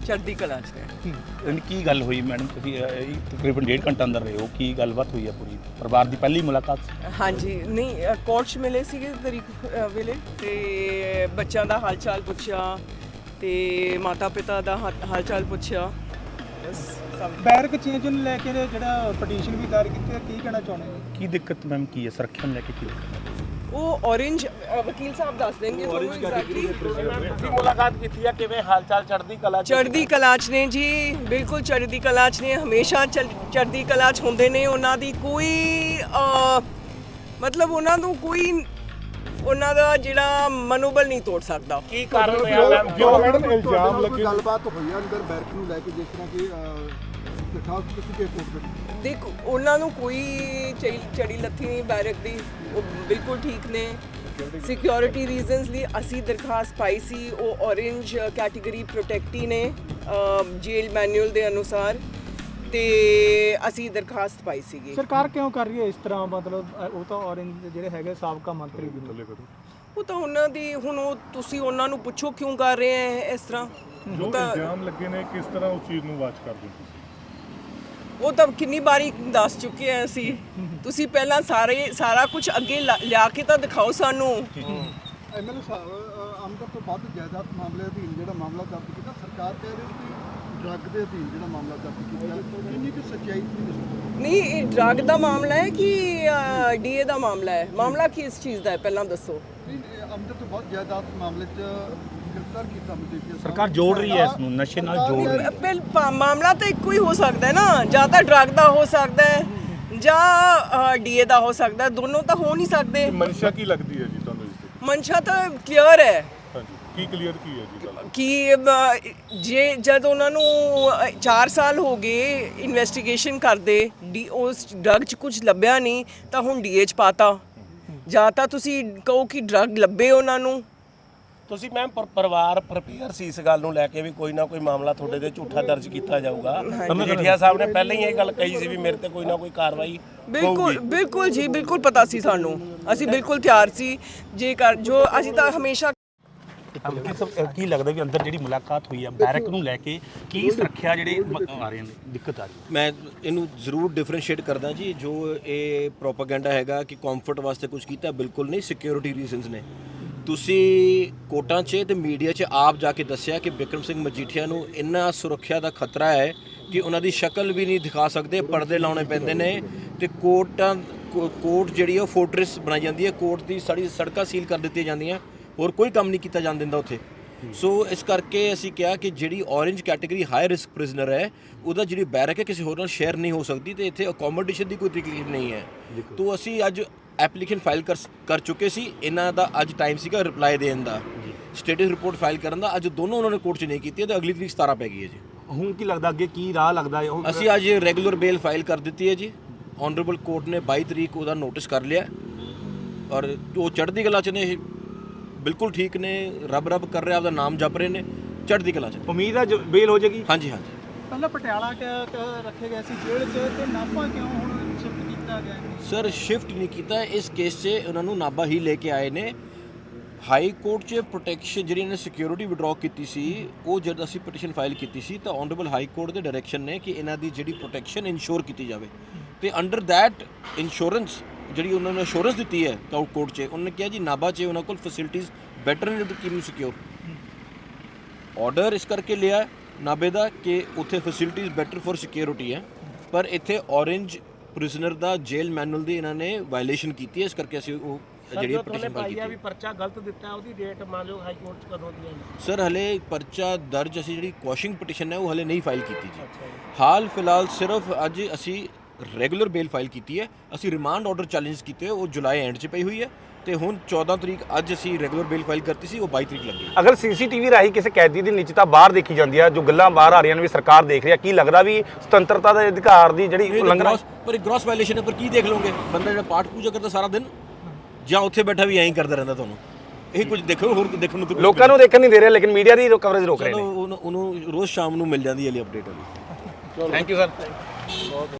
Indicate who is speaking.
Speaker 1: ਚੜ੍ਹਦੀ ਕਲਾ 'ਚ ਨੇ।
Speaker 2: ਕੀ ਗੱਲ ਹੋਈ ਮੈਡਮ, ਤੁਸੀਂ ਤਕਰੀਬਨ 1.5 ਘੰਟਾ ਅੰਦਰ ਰਹੇ ਹੋ, ਕੀ ਗੱਲਬਾਤ ਹੋਈ ਹੈ ਪੂਰੀ? ਪਰਿਵਾਰ ਦੀ ਪਹਿਲੀ ਮੁਲਾਕਾਤ ਸੀ?
Speaker 1: ਹਾਂਜੀ, ਨਹੀਂ ਕੋਰਟ 'ਚ ਮਿਲੇ ਸੀਗੇ ਤਰੀਕ ਵੇਲੇ, ਤੇ ਬੱਚਿਆਂ ਦਾ ਹਾਲ ਚਾਲ ਪੁੱਛਿਆ ਤੇ ਮਾਤਾ ਪਿਤਾ ਦਾ ਹਾਲ ਚਾਲ ਪੁੱਛਿਆ, ਬਸ ਸਭ।
Speaker 3: ਬੈਰਕ ਚੇਂਜ ਨੂੰ ਲੈ ਕੇ ਜਿਹੜਾ ਪਟੀਸ਼ਨ ਵੀ ਦਾਇਰ ਕੀਤੀ ਹੈ, ਕੀ ਕਹਿਣਾ ਚਾਹੁੰਦੇ ਹੋ?
Speaker 2: ਕੀ ਦਿੱਕਤ ਮੈਮ ਕੀ ਹੈ, ਸੁਰੱਖਿਆ ਨੂੰ ਲੈ ਕੇ ਕੀ ਦਿੱਕਤ ਹੈ?
Speaker 1: ਉਹ ਔਰੇਂਜ ਵਕੀਲ ਸਾਹਿਬ ਦੱਸ ਦੇਣਗੇ ਤੁਹਾਨੂੰ ਐਗਜ਼ੈਕਟਲੀ।
Speaker 2: ਤੁਸੀਂ ਮੁਲਾਕਾਤ ਕੀਤੀ ਹੈ, ਕਿਵੇਂ ਹਾਲ ਚਾਲ? ਚੜ੍ਹਦੀ ਕਲਾ
Speaker 1: ਚੜ੍ਹਦੀ ਕਲਾ 'ਚ ਨੇ ਜੀ, ਬਿਲਕੁਲ ਚੜ੍ਹਦੀ ਕਲਾ 'ਚ ਨੇ, ਹਮੇਸ਼ਾ ਚੜ੍ਹਦੀ ਕਲਾ 'ਚ ਹੁੰਦੇ ਨੇ। ਉਹਨਾਂ ਦੀ ਕੋਈ ਮਤਲਬ ਉਹਨਾਂ ਨੂੰ ਕੋਈ ਉਹਨਾਂ ਦਾ ਜਿਹੜਾ ਮਨੋਬਲ ਨਹੀਂ ਤੋੜ ਸਕਦਾ।
Speaker 2: ਕੀ ਕਾਰਨ ਹੋਇਆ ਮੈਮ ਜੋ
Speaker 4: ਮੈਡਮ ਇਲਜ਼ਾਮ ਲੱਗੇ? ਗੱਲਬਾਤ ਹੋਈ ਆ ਅੰਦਰ ਬੈਰਕ ਨੂੰ ਲੈ ਕੇ, ਜਿਸ ਤਰ੍ਹਾਂ ਕਿ ਦਰਖਾਸਤ ਕੀਤੀ ਗਈ ਕੋਰਟ ਵਿੱਚ।
Speaker 1: ਦੇਖ, ਉਹਨਾਂ ਨੂੰ ਕੋਈ ਚੜੀ ਲੱਥੀ ਨਹੀਂ ਬੈਰਕ ਦੀ, ਉਹ ਬਿਲਕੁਲ ਠੀਕ ਨੇ। ਸਿਕਿਉਰਿਟੀ ਰੀਜ਼ਨਸ ਲਈ ਅਸੀਂ ਦਰਖਾਸਤ ਪਾਈ ਸੀ, ਉਹ ਔਰੇਂਜ ਕੈਟੇਗਰੀ ਪ੍ਰੋਟੈਕਟੀ ਨੇ ਜੇਲ ਮੈਨੂਅਲ ਦੇ ਅਨੁਸਾਰ, ਤੇ ਅਸੀਂ ਦਰਖਾਸਤ ਪਾਈ ਸੀਗੀ।
Speaker 3: ਸਰਕਾਰ ਕਿਉਂ ਕਰ ਰਹੀ ਹੈ ਇਸ ਤਰ੍ਹਾਂ? ਮਤਲਬ ਉਹ ਤਾਂ ਔਰੰਜ ਜਿਹੜੇ ਹੈਗੇ ਸਾਬਕਾ ਮੰਤਰੀ ਵੀ,
Speaker 1: ਉਹ ਤਾਂ ਉਹਨਾਂ ਦੀ ਹੁਣ ਉਹ ਤੁਸੀਂ ਉਹਨਾਂ ਨੂੰ ਪੁੱਛੋ ਕਿਉਂ ਕਰ ਰਹੇ ਹੈ ਇਸ ਤਰ੍ਹਾਂ।
Speaker 5: ਜੋ ਇਲਜ਼ਾਮ ਲੱਗੇ ਨੇ, ਕਿਸ ਤਰ੍ਹਾਂ ਉਸ ਚੀਜ਼ ਨੂੰ ਵਾਚ ਕਰਦੇ ਹੋ?
Speaker 1: ਉਹ ਤਾਂ ਕਿੰਨੀ ਵਾਰੀ ਦੱਸ ਚੁੱਕੇ ਆ ਅਸੀਂ। ਤੁਸੀਂ ਪਹਿਲਾਂ ਸਾਰਾ ਕੁਝ ਅੱਗੇ ਲਿਆ ਕੇ ਤਾਂ ਦਿਖਾਓ ਸਾਨੂੰ।
Speaker 4: ਐਮਐਲਏ ਸਾਹਿਬ, ਆਮਦਨ ਤੋਂ ਵੱਧ ਜਾਇਦਾਦ ਮਾਮਲੇ ਅਧੀਨ ਜਿਹੜਾ ਮਾਮਲਾ ਦਰਜ ਕੀਤਾ, ਸਰਕਾਰ ਕਹਿ ਰਹੀ ਕਿ ਡਰੱਗ ਦੇ ਅਧੀਨ ਜਿਹੜਾ ਮਾਮਲਾ ਦਰਜ ਕੀਤਾ, ਕਿੰਨੀ ਕੁ ਸੱਚਾਈ ਸੀ?
Speaker 1: ਨਹੀਂ, ਇਹ ਡਰੱਗ ਦਾ ਮਾਮਲਾ ਹੈ ਕਿ ਡੀਏ ਦਾ ਮਾਮਲਾ ਹੈ? ਮਾਮਲਾ ਕਿਸ ਚੀਜ਼ ਦਾ ਹੈ ਪਹਿਲਾਂ ਦੱਸੋ।
Speaker 4: ਆਮਦਨ ਤੋਂ ਵੱਧ ਜਾਇਦਾਦ ਮਾਮਲੇ 'ਚ ਗ੍ਰਿਫਤਾਰ ਕੀਤਾ ਮਜੀਠੀਆ।
Speaker 2: ਸਰਕਾਰ ਜੋੜ ਰਹੀ ਹੈ ਇਸ ਨੂੰ, ਨਸ਼ੇ ਨਾਲ ਜੋੜ ਰਹੀ ਹੈ।
Speaker 1: ਮਾਮਲਾ ਤਾਂ ਇੱਕੋ ਹੀ ਹੋ ਸਕਦਾ ਹੈ ਨਾ, ਜਾਂ ਤਾਂ ਡਰੱਗ ਦਾ ਹੋ ਸਕਦਾ ਹੈ ਜਾਂ ਡੀਏ ਦਾ ਹੋ ਸਕਦਾ ਹੈ, ਦੋਨੋਂ ਤਾਂ ਹੋ ਨਹੀਂ ਸਕਦੇ।
Speaker 5: ਮਨਸ਼ਾ ਕੀ ਲੱਗਦੀ ਹੈ ਜੀ ਤੁਹਾਨੂੰ ਇਸ ਦੀ?
Speaker 1: ਮਨਸ਼ਾ ਤਾਂ ਕਲੀਅਰ ਹੈ
Speaker 5: ਹਾਂਜੀ, ਕੀ ਕਲੀਅਰ ਕੀ ਹੈ ਜੀ ਗੱਲ?
Speaker 1: ਕਿ ਜੇ ਜਦ ਉਹਨਾਂ ਨੂੰ 4 ਸਾਲ ਹੋ ਗਏ ਇਨਵੈਸਟੀਗੇਸ਼ਨ ਕਰਦੇ, ਉਸ ਡਰੱਗ 'ਚ ਕੁਝ ਲੱਭਿਆ ਨਹੀਂ ਤਾਂ ਹੁਣ ਡੀਏ 'ਚ ਪਾਤਾ। ਜਾਂ ਤਾਂ ਤੁਸੀਂ ਕਹੋ ਕਿ ਡਰੱਗ ਲੱਭੇ ਉਹਨਾਂ ਨੂੰ।
Speaker 6: ਤੁਸੀਂ ਮੈਮ ਪਰਿਵਾਰ ਪ੍ਰਪੇਅਰ ਸੀ ਇਸ ਗੱਲ ਨੂੰ ਲੈ ਕੇ ਵੀ ਕੋਈ ਨਾ ਕੋਈ ਮਾਮਲਾ ਤੁਹਾਡੇ ਤੇ ਝੂਠਾ ਦਰਜ ਕੀਤਾ ਜਾਊਗਾ? ਮਜੀਠੀਆ ਸਾਹਿਬ ਨੇ ਪਹਿਲਾਂ ਹੀ ਇਹ ਗੱਲ ਕਹੀ ਸੀ ਵੀ ਮੇਰੇ ਤੇ ਕੋਈ ਨਾ ਕੋਈ ਕਾਰਵਾਈ
Speaker 1: ਬਿਲਕੁਲ ਜੀ, ਬਿਲਕੁਲ ਪਤਾ ਸੀ ਸਾਨੂੰ, ਅਸੀਂ ਬਿਲਕੁਲ ਤਿਆਰ ਸੀ ਜੇਕਰ ਜੋ ਅਸੀਂ ਤਾਂ ਹਮੇਸ਼ਾ।
Speaker 2: ਕੀ ਲੱਗਦਾ ਵੀ ਅੰਦਰ ਜਿਹੜੀ ਮੁਲਾਕਾਤ ਹੋਈ ਹੈ ਬੈਰਕ ਨੂੰ ਲੈ ਕੇ, ਕੀ ਸੁਰੱਖਿਆ ਜਿਹੜੇ ਆ ਰਹੇ ਨੇ, ਦਿੱਕਤ ਆ ਰਹੀ ਹੈ?
Speaker 7: ਮੈਂ ਇਹਨੂੰ ਜ਼ਰੂਰ ਡਿਫਰੈਂਸ਼ੀਏਟ ਕਰਦਾ ਜੀ। ਜੋ ਇਹ ਪ੍ਰੋਪਾਗੈਂਡਾ ਹੈਗਾ ਕਿ ਕੰਫਰਟ ਵਾਸਤੇ ਕੁਝ ਕੀਤਾ, ਬਿਲਕੁਲ ਨਹੀਂ। ਸਿਕਿਉਰਿਟੀ ਰੀਜ਼ਨਸ ਨੇ। ਤੁਸੀਂ ਕੋਰਟਾਂ 'ਚ ਤੇ ਮੀਡੀਆ 'ਚ ਆਪ ਜਾ ਕੇ ਦੱਸਿਆ ਕਿ ਬਿਕਰਮ ਸਿੰਘ ਮਜੀਠੀਆ ਨੂੰ ਇੰਨਾ ਸੁਰੱਖਿਆ ਦਾ ਖਤਰਾ ਹੈ ਕਿ ਉਹਨਾਂ ਦੀ ਸ਼ਕਲ ਵੀ ਨਹੀਂ ਦਿਖਾ ਸਕਦੇ, ਪਰਦੇ ਲਾਉਣੇ ਪੈਂਦੇ ਨੇ, ਤੇ ਕੋਰਟ ਜਿਹੜੀ ਉਹ ਫੋਰਟ੍ਰੈਸ ਬਣਾਈ ਜਾਂਦੀ ਹੈ, ਕੋਰਟ ਦੀ ਸਾਰੀ ਸੜਕਾਂ ਸੀਲ ਕਰ ਦਿੱਤੀਆਂ ਜਾਂਦੀਆਂ, ਹੋਰ ਕੋਈ ਕੰਮ ਨਹੀਂ ਕੀਤਾ ਜਾਣ ਦਿੰਦਾ ਉੱਥੇ। ਸੋ ਇਸ ਕਰਕੇ ਅਸੀਂ ਕਿਹਾ ਕਿ ਜਿਹੜੀ orange category high risk prisoner ਹੈ, ਉਹਦਾ ਜਿਹੜੀ ਬੈਰਕ ਹੈ ਕਿਸੇ ਹੋਰ ਨਾਲ ਸ਼ੇਅਰ ਨਹੀਂ ਹੋ ਸਕਦੀ, ਤੇ ਇੱਥੇ ਅਕੋਮੋਡੇਸ਼ਨ ਦੀ ਕੋਈ ਤਕਲੀਫ ਨਹੀਂ ਹੈ। ਤੋਂ ਅਸੀਂ ਅੱਜ ਐਪਲੀਕੇਸ਼ਨ ਫਾਈਲ ਕਰ ਚੁੱਕੇ ਸੀ। ਇਹਨਾਂ ਦਾ ਅੱਜ ਟਾਈਮ ਸੀਗਾ ਰਿਪਲਾਈ ਦੇਣ ਦਾ, ਸਟੇਟਸ ਰਿਪੋਰਟ ਫਾਈਲ ਕਰਨ ਦਾ। ਅੱਜ ਦੋਨੋਂ ਉਹਨਾਂ ਨੇ ਕੋਰਟ 'ਚ ਨਹੀਂ ਕੀਤੀ ਤੇ ਅਗਲੀ ਤਰੀਕ 17 ਪੈ ਗਈ ਹੈ ਜੀ।
Speaker 2: ਹੁਣ ਕੀ ਲੱਗਦਾ ਅੱਗੇ ਕੀ ਰਾਹ ਲੱਗਦਾ ਹੈ?
Speaker 7: ਅਸੀਂ ਅੱਜ ਰੈਗੂਲਰ ਬੇਲ ਫਾਈਲ ਕਰ ਦਿੱਤੀ ਹੈ ਜੀ। ਆਨਰੇਬਲ ਕੋਰਟ ਨੇ 22 ਤਰੀਕ ਉਹਦਾ ਨੋਟਿਸ ਕਰ ਲਿਆ, ਔਰ ਉਹ ਚੜ੍ਹਦੀ ਕਲਾ 'ਚ ਨੇ, ਬਿਲਕੁਲ ਠੀਕ ਨੇ, ਰੱਬ ਕਰ ਰਿਹਾ, ਆਪਦਾ ਨਾਮ ਜਪ ਰਹੇ ਨੇ, ਚੜ੍ਹਦੀ ਕਲਾ 'ਚ।
Speaker 2: ਉਮੀਦ ਹੈ ਬੇਲ ਹੋ ਜਾਏਗੀ?
Speaker 7: ਹਾਂਜੀ।
Speaker 3: ਪਹਿਲਾਂ ਪਟਿਆਲਾ ਰੱਖੇ ਗਏ ਸੀ ਜੇਲ੍ਹ 'ਚ, ਤੇ ਨਾਭਾ ਕਿਉਂ ਹੁਣ ਸ਼ਿਫਟ ਕੀਤਾ ਗਿਆ?
Speaker 7: ਸਰ, ਸ਼ਿਫਟ ਨਹੀਂ ਕੀਤਾ, ਇਸ ਕੇਸ 'ਚ ਉਹਨਾਂ ਨੂੰ ਨਾਭਾ ਹੀ ਲੈ ਕੇ ਆਏ ਨੇ। ਹਾਈ ਕੋਰਟ 'ਚ ਪ੍ਰੋਟੈਕਸ਼ਨ ਜਿਹੜੀ ਇਹਨੇ ਸਿਕਿਉਰਿਟੀ ਵਿਡਰਾਅ ਕੀਤੀ ਸੀ, ਉਹ ਜਦ ਅਸੀਂ ਪਟੀਸ਼ਨ ਫਾਈਲ ਕੀਤੀ ਸੀ ਤਾਂ ਆਨਰੇਬਲ ਹਾਈ ਕੋਰਟ ਦੇ ਡਾਇਰੈਕਸ਼ਨ ਨੇ ਕਿ ਇਹਨਾਂ ਦੀ ਜਿਹੜੀ ਪ੍ਰੋਟੈਕਸ਼ਨ ਇਨਸ਼ੋਰ ਕੀਤੀ ਜਾਵੇ, ਤੇ ਅੰਡਰ ਦੈਟ ਇੰਸ਼ੋਰੈਂਸ ਜਿਹੜੀ ਉਹਨਾਂ ਨੇ ਅਸ਼ੋਰੈਂਸ ਦਿੱਤੀ ਹੈ ਕੋਰਟ 'ਚ, ਉਹਨਾਂ ਨੇ ਕਿਹਾ ਜੀ ਨਾਭਾ 'ਚ ਉਹਨਾਂ ਕੋਲ ਫੈਸਿਲਿਟੀਜ਼ ਬੈਟਰ ਨੇ to keep you secure. Order ਇਸ ਕਰਕੇ ਲਿਆ ਨਾਭੇ ਦਾ ਕਿ ਉੱਥੇ ਫੈਸਿਲਿਟੀਜ਼ ਬੈਟਰ ਫॉर ਸਿਕਿਉਰਿਟੀ ਹੈ, ਪਰ ਇੱਥੇ ਔਰੇਂਜ ਪ੍ਰਿਜ਼ਨਰ ਦਾ ਜੇਲ ਮੈਨੂਅਲ ਦੀ ਇਹਨਾਂ ਨੇ ਵਾਇਲੇਸ਼ਨ ਕੀਤੀ ਹੈ। ਇਸ ਕਰਕੇ ਅਸੀਂ ਉਹ ਜਿਹੜੀ ਪਟੀਸ਼ਨ ਫਾਈਲ ਕੀਤੀ ਹੈ।
Speaker 6: ਵੀ ਪਰਚਾ ਗਲਤ ਦਿੱਤਾ, ਉਹਦੀ ਡੇਟ ਮੰਨ ਲਓ ਹਾਈ ਕੋਰਟ 'ਚ ਕਦੋਂ ਦੀ ਹੈ?
Speaker 7: ਸਰ, ਹਲੇ ਪਰਚਾ ਦਰਜ ਅਸੀਂ ਜਿਹੜੀ ਕੁਐਸ਼ਿੰਗ ਪਟੀਸ਼ਨ ਹੈ ਉਹ ਹਲੇ ਨਹੀਂ ਫਾਈਲ ਕੀਤੀ ਜੀ। ਹਾਲ ਫਿਲਹਾਲ ਸਿਰਫ ਅੱਜ ਅਸੀਂ ਰੈਗੂਲਰ ਬੇਲ ਫਾਈਲ ਕੀਤੀ ਹੈ। ਅਸੀਂ ਰਿਮਾਂਡ ਆਰਡਰ ਚੈਲੰਜ ਕੀਤੇ, ਉਹ ਜੁਲਾਈ ਐਂਡ 'ਚ ਪਈ ਹੋਈ ਹੈ, ਤੇ ਹੁਣ 14 ਤਰੀਕ ਅੱਜ ਅਸੀਂ ਰੈਗੂਲਰ ਬੇਲ ਫਾਈਲ ਕਰਤੀ ਸੀ, ਉਹ 22 ਤਰੀਕ ਲੱਗੀ।
Speaker 2: ਅਗਰ ਸੀਸੀਟੀਵੀ ਰਾਹੀਂ ਕਿਸੇ ਕੈਦੀ ਦੀ ਨਿੱਜਤਾ ਬਾਹਰ ਦੇਖੀ ਜਾਂਦੀ ਹੈ, ਜੋ ਗੱਲਾਂ ਬਾਹਰ ਆ ਰਹੀਆਂ ਨੇ ਵੀ ਸਰਕਾਰ ਦੇਖ ਰਹੀ ਹੈ, ਕੀ ਲੱਗਦਾ ਵੀ ਸੁਤੰਤਰਤਾ ਦੇ ਅਧਿਕਾਰ ਦੀ ਜਿਹੜੀ ਉਲੰਘਣਾ?
Speaker 7: ਪਰ ਗ੍ਰੋਸ ਵਾਇਲੇਸ਼ਨ ਹੈ, ਪਰ ਕੀ ਦੇਖ ਲਓਗੇ? ਬੰਦਾ ਜਿਹੜਾ ਪਾਠ ਪੂਜਾ ਕਰਦਾ ਸਾਰਾ ਦਿਨ, ਜਾਂ ਉੱਥੇ ਬੈਠਾ ਵੀ ਐਂ ਹੀ ਕਰਦਾ ਰਹਿੰਦਾ, ਤੁਹਾਨੂੰ ਇਹ ਕੁਝ ਦੇਖੋ, ਹੋਰ ਦੇਖਣ ਨੂੰ
Speaker 2: ਲੋਕਾਂ ਨੂੰ ਦੇਖਣ ਨਹੀਂ ਦੇ ਰਹੇ, ਲੇਕਿਨ ਮੀਡੀਆ ਦੀ ਕਵਰੇਜ ਰੋਕ ਰਹੇ ਨੇ।
Speaker 7: ਉਹਨੂੰ ਰੋਜ਼ ਸ਼ਾਮ ਨੂੰ ਮਿਲ ਜਾਂਦੀ ਹੈ ਅਪਡੇਟ ਵਾਲੀ।
Speaker 2: Thank you sir.